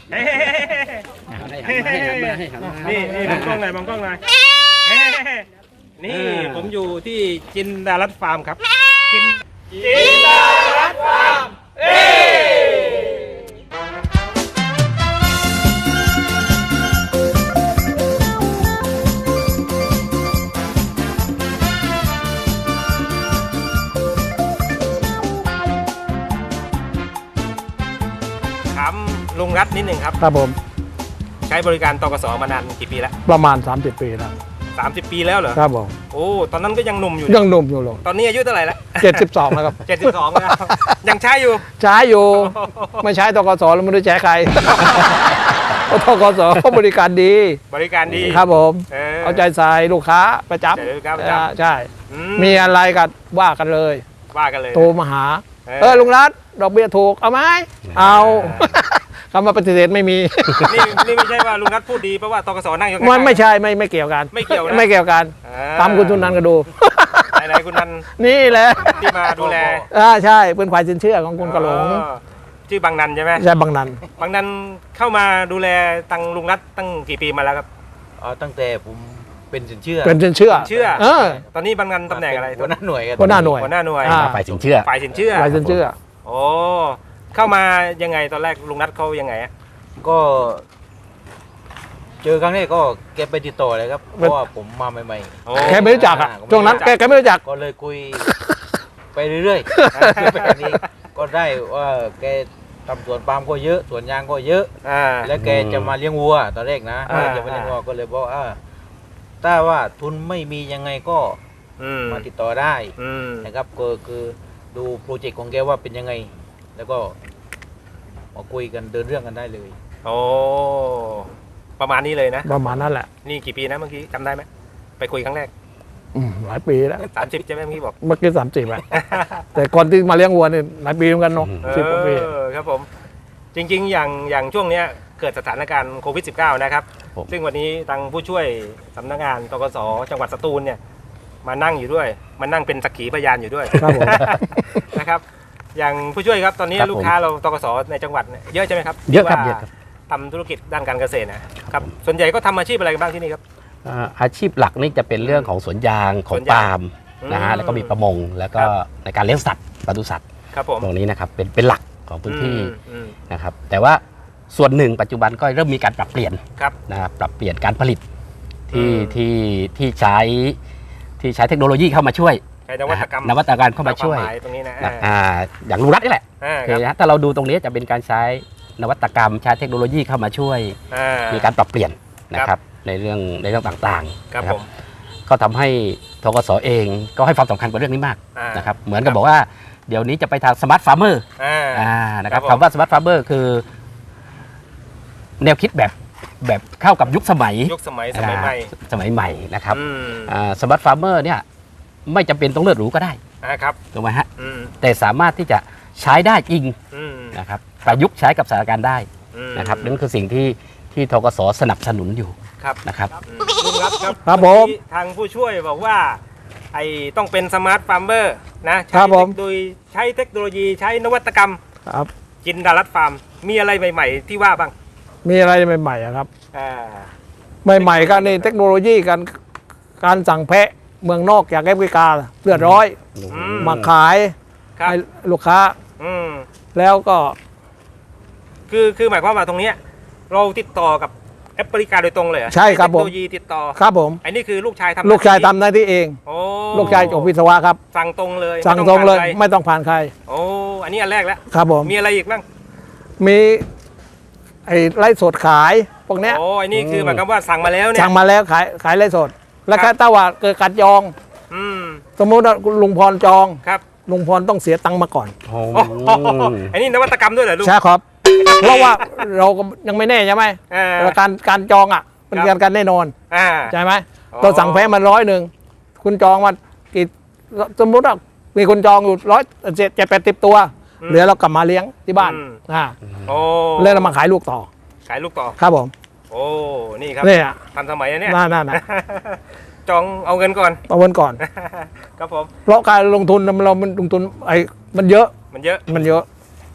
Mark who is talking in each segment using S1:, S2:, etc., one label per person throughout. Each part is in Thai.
S1: นี่มองกล้องหน่อยมองกล้องหน่อยนี่ผมอยู่ที่จินดารัตน์ฟาร์มครับจินดารัตน์ฟาร์มถามลุงรัตน์นิดหนึ่งครับ
S2: ครับผม
S1: ใช้บริการตกสมานานกี่ปีแล้ว
S2: ประมาณ30 ปีแล้ว
S1: 30 ปีแล้วเหรอ
S2: ครับผม
S1: โอ้ตอนนั้นก็ยังหนุ่มอยู่
S2: ยังหนุ่มอยู่หรอ
S1: ตอนนี้อายุเท่าไหร่แล้ว
S2: 72แล้วครับ
S1: 72แล้วยังใช้อยู่
S2: ไม่ใช้ตกสแล้วไม่ได้แจกใครตกสเขาบริการดีครับผมเอาใจใส่ลูกค้าประจำใช่มีอะไรกันว่ากันเลยโทรมาหาลุงรัตน์ดอกเบี้ยถูกเอาไหมเอาคำว่าปฏิเสธไม่มี
S1: นี่ไม่ใช่ว่าลุงรัตน์พูดดีเพราะว่าตกสนั่งอยู่
S2: มันไม่ใช่ไม่เกี่ยวกันไม่เกี่ยวกันตามคุณทุนนันก็ดู
S1: ไหนคุณนัน
S2: นี่แหละ
S1: ที่มาดูแล
S2: ใช่เป็นฝ่ายสินเชื่อของคุณกระหลง
S1: ชื่อบางนันใช่ไหม
S2: ใช่บางนัน
S1: เข้ามาดูแลตังลุงรัตน์ตั้งกี่ปีมาแล้วครับ
S3: ตั้งแต่ผมเป็นสินเชื่อ
S1: ตอนนี้บางนันตำแหน่งอะไร
S3: หัวหน้าหน่วย
S1: ฝ่ายสินเชื่อโอ้เข้ามายังไงตอนแรกลุงนัทเขายังไง
S3: ก็เจอครั้งแรกก็แกไปติดต่อเลยครับเพราะว่าผมมาใหม่
S2: ๆแกไม่รู้จักช่วงนั้นแกไม่รู้จัก
S3: ก็เลยคุยไปเรื่อยๆแบบนี้ก็ได้ว่าแกทำสวนปาล์มก็เยอะสวนยางก็เยอะแล้วแกจะมาเลี้ยงวัวตอนแรกนะจะมาเลี้ยงวัวก็เลยบอกถ้าว่าทุนไม่มียังไงก็มาติดต่อได้นะครับก็คือดูโปรเจกต์ของแกว่าเป็นยังไงแล้วก็มาคุยกันเดินเรื่องกันได้เลย
S1: โอ้ประมาณนี้เลยนะ
S2: ประมาณนั้นแหละ
S1: นี่กี่ปีนะเมื่อกี้จำได้ไหมไปคุยครั้งแรก
S2: หลายปีแล้ว
S1: 30ใช่ไหมเมื่อกี้บอก
S2: เมื่อกี้30แล้วแต่ก่อนที่มาเลี้ยงวัวนี่หลายปีเหมือนกันเนาะ10 กว่าปี
S1: ครับผมจริงๆอย่างช่วงนี้เกิดสถานการณ์โควิด -19 นะครับซึ่งวันนี้ทางผู้ช่วยสำนักงานตกส.จังหวัดสตูลเนี่ยมานั่งอยู่ด้วยมานั่งเป็นสักขีพยานอยู่ด้วยนะครับอย่างผู้ช่วยครับตอนนี้ลูกค้าเราตกส.ในจังหวัดเยอะใช่ไหมครับ
S4: เยอะครับ
S1: ทำธุรกิจด้านการเกษตรนะครับส่วนใหญ่ก็ทำอาชีพอะไรกันบ้างที่นี่ครับ
S4: อาชีพหลักนี่จะเป็นเรื่องของสวนยางของปาล์มนะฮะแล้วก็มีประมงแล้วก็ในการเลี้ยงสัตว์ปศุสัตว์ตรงนี้นะครับเป็นหลักของพื้นที่นะครับแต่ว่าส่วนหนึ่งปัจจุบันก็เริ่มมีการปรับเปลี่ยนนะครับปรับเปลี่ยนการผลิตที่ใช้เทคโนโลยีเข้ามาช่วย
S1: นวัตกร
S4: รมเข้ามาช่วย
S1: ตรงนี้นะ
S4: อย่างลุงรัตน์นี่แหละถ้าเราดูตรงนี้จะเป็นการใช้นวัตกรรมใช้เทคโนโลยีเข้ามาช่วยมีการปรับเปลี่ยนนะครับในเรื่องต่างๆนะครับก็ทำให้ธกส.เองก็ให้ความสำคัญกับเรื่องนี้มากนะครับเหมือนกับบอกว่าเดี๋ยวนี้จะไปทางสมาร์ทฟาร์มเมอร์นะครับคำว่าสมาร์ทฟาร์มเมอร์คือแนวคิดแบบเข้ากับยุคสมัยใหม่นะครับสมาร์ทฟาร์มเมอร์เนี่ยไม่จำเป็นต้องเลือดหรูก็ได้ถูกไหมฮะแต่สามารถที่จะใช้ได้จริงนะครับประยุกต์ใช้กับสถานการณ์ได้นะครับนั่นคือสิ่งที่ธกส.สนับสนุนอยู่นะครับ
S1: ลุงครับผมทางผู้ช่วยบอกว่าต้องเป็นสมาร์ทฟาร์มเมอร์นะโดยใช้เทคโนโลยีใช้นวัตกรรมจินดารัตน์ฟาร์มมีอะไรใหม่ๆที่ว่าบ้าง
S2: มีอะไรใหม่ๆครับใหม่ๆกันในเทคโนโลยีการสั่งแพะเมืองนอกจากแอฟริกาเลือดร้อยมาขายให้ลูกค้าแล้วก็
S1: คือหมายความว่าตรงนี้เราติดต่อกับแอฟริกาโดยตรงเลย
S2: ใช่ครับผมเทค
S1: โนโลยีติดต่อ
S2: ครับผม
S1: อันนี้คือลูกชายท
S2: ำหน้าที่เองลูกชายจบวิศวะครับ
S1: สั่งตรงเลย
S2: ไม่ต้องผ่านใคร
S1: โอ้อันนี้อันแรกแล้ว
S2: ครับผม
S1: มีอะไรอีกบ้าง
S2: มีไร่สดขายพวกเนี้ย
S1: โอ้อันนี้คือหมายความว่าสั่งมาแล้วเนี่ย
S2: สั่งมาแล้วขายไร่สดแล้วก็ถ้าว่าเกิดการจองสมมติว่าลุงพรจองลุงพรต้องเสียตังค์มาก่อน
S1: อันนี้นวัตกรรมด้วยเหรอลุง
S2: ใช่ครับเพราะว่าเราก็ยังไม่แน่ใช่ไหมการจองเป็นการแน่นอนใช่ไหมตัวสั่งแพ้มัน100คุณจองมากี่สมมติว่ามีคนจองอยู่170-180ตัวเหลือเรากลับมาเลี้ยงที่บ้านแล้วเรามาขายลูกต่อครับผม
S1: โอ้นี่ครับ
S2: นี่
S1: ทันสมัยเนี่ย
S2: นั่น
S1: จองเอาเงินก่อน
S2: ครับผมเพราะการลงทุนเรามันลงทุนมันเยอะ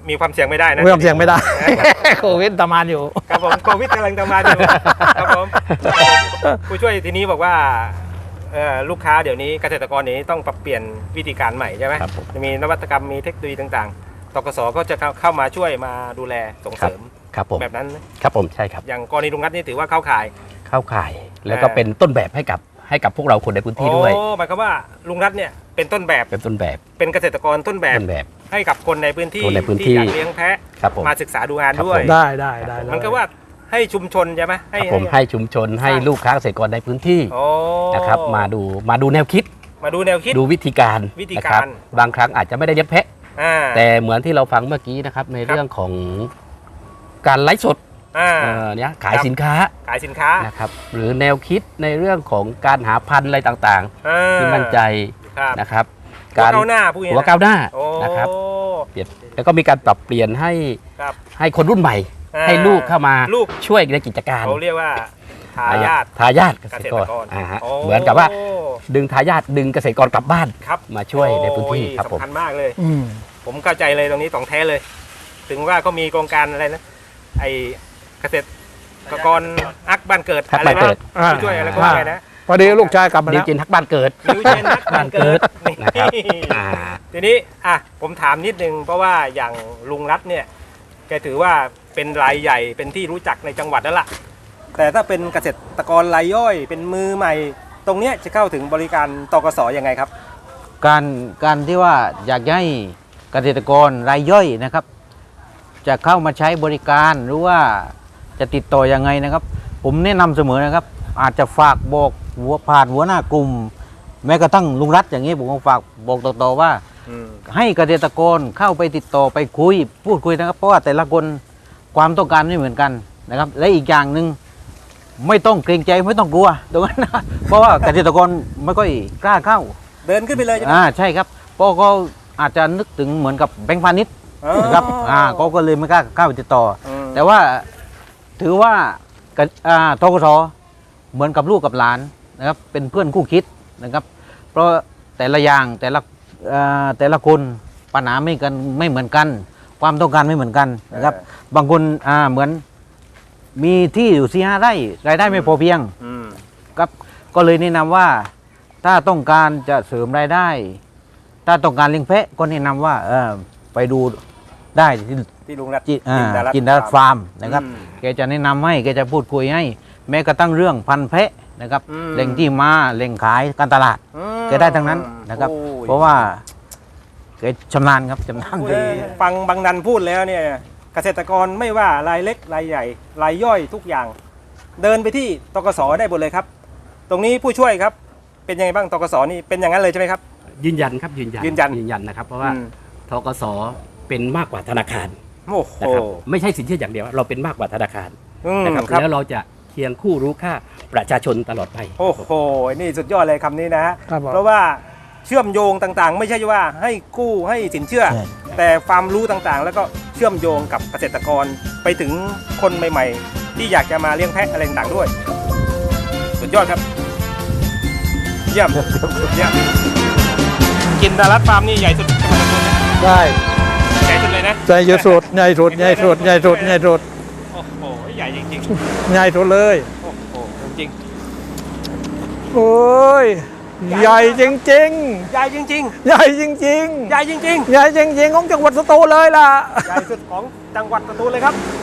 S1: มีความเสี่ยงไม่ได้นะ
S2: ไม่ต้องเสี่ยงไม่ได้ โควิดตามานอยู่
S1: ครับผมโควิดกำลังทำงานอยู่ครับผมผู้ช่วยทีนี้บอกว่าลูกค้าเดี๋ยวนี้เกษตรกรนี้ต้องปรับเปลี่ยนวิธีการใหม่ใช่ไหม
S4: ครับผม
S1: จะมีนวัตกรรมมีเทคโนโลยีต่างๆตกสก็จะเข้ามาช่วยมาดูแลส่งเสริม
S4: ครับผม
S1: แบบนั้นไหม
S4: ครับผมใช่ครับ
S1: อย่างกรณีลุงนัทนี่ถือว่าเข้าข่าย
S4: เข้าข่ายแล้วก็เป็นต้นแบบให้กับพวกเราคนในพื้นที่ด้วย
S1: โอ้หมายความว่าลุงนัทเนี่ยเป็นต้นแบบ
S4: เป็นต้นแบบ
S1: เป็นเกษตรกรต้นแบบ
S4: ต้นแบบ
S1: ให้กับคนในพื้นที่
S4: คนในพื้นที่
S1: ที่อยากเลี้ยงแพะ
S4: ครับผม
S1: มาศึกษาดูงาน
S4: ครับ
S1: ด้วย
S4: ผม
S2: ได้เลย
S1: มันก็ว่าให้ชุมชนใช่ไหม
S4: ครับผมให้ชุมชนให้ลูกค้าเกษตรกรในพื้นที่
S1: โอ้
S4: นะครับมาดูแนวคิด
S1: มาดูแนวคิด
S4: ดูวิธีการ
S1: วิธี
S4: นะ
S1: การ
S4: บางครั้งอาจจะไม่ได้เลี้ยงแพะ
S1: อ่า
S4: แต่เหมือนที่เราฟังเมื่อกี้นะครับในเรื่องของการไลฟ์สด
S1: อ่า
S4: เนี่ยขาย
S1: ครับ
S4: สินค้า
S1: ขายสินค้า
S4: นะครับหรือแนวคิดในเรื่องของการหาพันธุ์อะไรต่าง
S1: อ่า
S4: ๆ ที่มั่นใจ
S1: ครับ
S4: นะครับ
S1: หัวก้าวหน้าพูดอย่าง
S4: หัว
S1: นี้
S4: ก้าวหน้า
S1: โอ้
S4: นะครับเปลี่ยนแล้วก็มีการปรับเปลี่ยนให้
S1: ครับ
S4: ให้คนรุ่นใหม่
S1: อ่า
S4: ให้ลูกเข้ามา
S1: ลูก
S4: ช่วยในกิจการ
S1: เขาเรียกว่าทายาท
S4: ทายาทเก
S1: เก
S4: ษ
S1: ษ
S4: ตร
S1: ต
S4: ก
S1: ร
S4: ร
S1: กร
S4: ฮะ
S1: โอ้
S4: เหมือนกับว่าดึงทายาทดึงเกษตรกรกลับบ้าน
S1: ครับ
S4: มาช่วยในพื้นที่
S1: โอ้ย
S4: ครับผม
S1: สำคัญมากเลย
S2: อืม
S1: ผมเข้าใจเลยตรงนี้ของแท้เลย ถึงว่าก็มีโครงการอะไรนะไอเกษตรกรอักบ้านเกิด
S4: ฮัก
S1: อะไร
S4: บ้านเกิ
S1: นะ
S4: ด
S1: ผู้ช่วยอะไรก็ว่าไปนะ
S2: พอดีลูกชายกลับมา
S4: ดิ
S2: แล้ว ว
S4: จินทักบ้านเกิด
S1: นิวเจนนักบ้านเกิดนี่
S4: นะครับอ่า
S1: ทีนี้ผมถามนิดนึงเพราะว่าอย่างลุงรัฐเนี่ยแกถือว่าเป็นรายใหญ่เป็นที่รู้จักในจังหวัดแล้วล่ะแต่ถ้าเป็นเกษตรกรรายย่อยเป็นมือใหม่ ตรงเนี้ยจะเข้าถึงบริการตกสยังไงครับ
S3: การที่ว่าอยากให้เกษตรกรรายย่อยนะครับ จะเข้ามาใช้บริการหรือว่าจะติดต่อยังไงนะครับ ผมแนะนำเสมอนะครับ อาจจะฝากบอกผ่านหัวหน้ากลุ่ม แม้กระทั่งลุงรัฐอย่างนี้ผมก็ฝากบอกต่อๆว่า ให้เกษตรกรเข้าไปติดต่อไปคุยพูดคุยนะครับ เพราะว่าแต่ละคนความต้องการไม่เหมือนกันนะครับ และอีกอย่างหนึ่งไม่ต้องเกรงใจไม่ต้องกลัวตรงนั้นนะ เพราะว่าเกษตรกรไม่ค่อยกล้าเข้า
S1: เดินขึ้นไปเลยใช่ไหม
S3: ใช่ครับเพราะเขาอาจจะนึกถึงเหมือนกับแบงค์พาณิชย์นะครับเขาก็เลยไม่กล้าเข้าไปติดต่อ แต่ว่าถือว่าทกสเหมือนกับลูกกับหลานนะครับ เป็นเพื่อนคู่คิดนะครับ เพราะแต่ละอย่างแต่ละคนปัญหาไม่เหมือนกัน ความต้องการไม่เหมือนกันนะครับ บางคนเหมือนมีที่อยู่4-5 ไร่รายได้ไม่พอเพียงครับก็เลยแนะนำว่าถ้าต้องการจะเสริมรายได้ ถ้าต้องการเลี้ยงแพะก็แนะนำว่าไปดูได้
S1: ที่ลุงรัฐ
S3: จินดารัตน์ฟาร์มนะครับแกจะแนะนำให้แกจะพูดคุยให้ แม้กระทั่งเรื่องพันธุ์แพะนะครับแหล่งที่มาแหล่งขายการตลาดแกได้ทั้งนั้นนะครับ เพราะว่าแกชำนาญครับชำนาญดี
S1: ฟังบางนันพูดแล้วเนี่ยเกษตรกรไม่ว่ารายเล็กรายใหญ่รายย่อยทุกอย่าง เดินไปที่ตกสได้หมดเลยครับ ตรงนี้ผู้ช่วยครับเป็นยังไงบ้างตกสนี่เป็นอย่างนั้นเลยใช่ไหมครับ
S4: ยืนยันครับยืนยันนะครับ เพราะว่าทกสเป็นมากกว่าธนาคาร
S1: โอ้โห
S4: นะครับไม่ใช่สินเชื่ออย่างเดียวเราเป็นมากกว่าธนาคารนะครับแล้วเราจะเคียงคู่รู้ค่าประชาชนตลอดไป
S1: โอ้โหนี่สุดยอดเลยคำนี้นะฮะ
S2: ครับผม
S1: เพราะว่าเชื่อมโยงต่างๆ ไม่ใช่ว่าให้กู้ให้สินเชื่อ
S3: ใช่
S1: แต่ความรู้ต่างๆ แล้วก็เชื่อมโยงกับเกษตรกรไปถึงคนใหม่ๆ ที่อยากจะมาเลี้ยงแพะอะไรต่างๆด้วย สุดยอดครับ เยี่ยมเยี่ยมจินดารัตน์ฟาร์มนี่ใหญ่สุดจังหวัดสตูลนะ
S2: ได้
S1: ใหญ่สุดเลยนะ
S2: ใหญ่สุด
S1: โอ้โหใหญ่จริง
S2: ใหญ่สุดเลย
S1: ๆโอ้โหจริง
S2: โอ้ยใหญ่จริง
S1: ๆใหญ่จริง
S2: ๆใหญ่จริง
S1: ๆใหญ่จริง
S2: ๆใหญ่จริงๆของจังหวัดสตูลเลยล่ะ
S1: ๆใหญ่สุดของจังหวัดสตูลเลยครับ